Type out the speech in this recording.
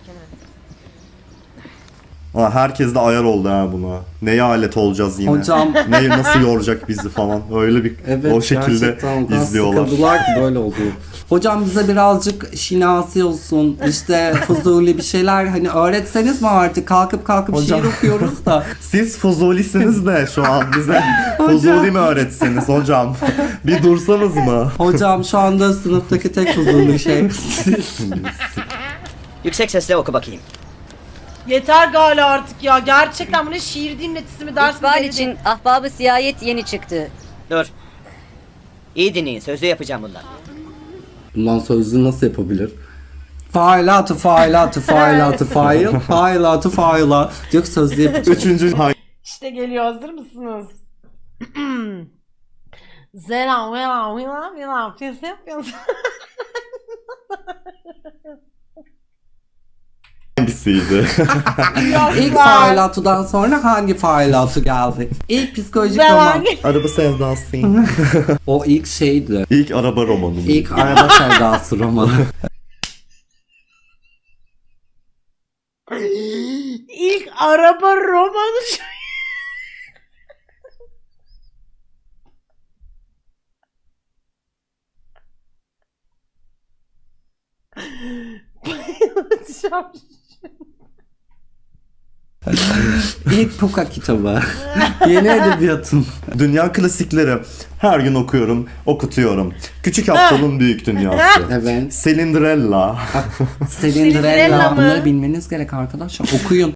Aa, herkes de ayar oldu ha buna. Neye alet olacağız yine? Hocam. Nasıl yoracak bizi falan. Öyle bir Evet, o şekilde gerçekten o kadar izliyorlar. sıkıldılar ki böyle oluyor. Hocam bize birazcık şinasi olsun, işte fuzuli bir şeyler hani öğretseniz mi artık? Kalkıp Hocam. şiir okuyoruz da. Siz fuzulisiniz de şu an bize fuzuli mi öğretseniz hocam? Bir dursanız mı? Hocam şu anda sınıftaki tek fuzuli şey. Yüksek sesle oku bakayım. Yeter galiba artık ya. Gerçekten bu ne şiir dinletisi mi ders mi? İkbal belli için değil. Ahbab-ı Siyayet yeni çıktı. Dur. İyi dinleyin, sözlü yapacağım bundan. Bundan sözlü nasıl yapabilir? Failatı faila. Diyor ki sözlü yapacağım. Üçüncü İşte geliyor, hazır mısınız? Zera vela pes yapıyorsun. hangisiydi? İlk failatıdan sonra hangi failatı geldi? İlk psikolojik roman. Araba sevdası. O ilk şeydi. İlk araba romanı. İlk araba sevdası romanı. İlk araba romanı. Bayılacağım. İlk Puka kitabı. Yeni edebiyatın. Dünya klasikleri. Her gün okuyorum, okutuyorum. Küçük Aptal'ın Büyük Dünyası. Evet. Cinderella. Cinderella. mı? Bunları bilmeniz gerek arkadaşlar. Okuyun.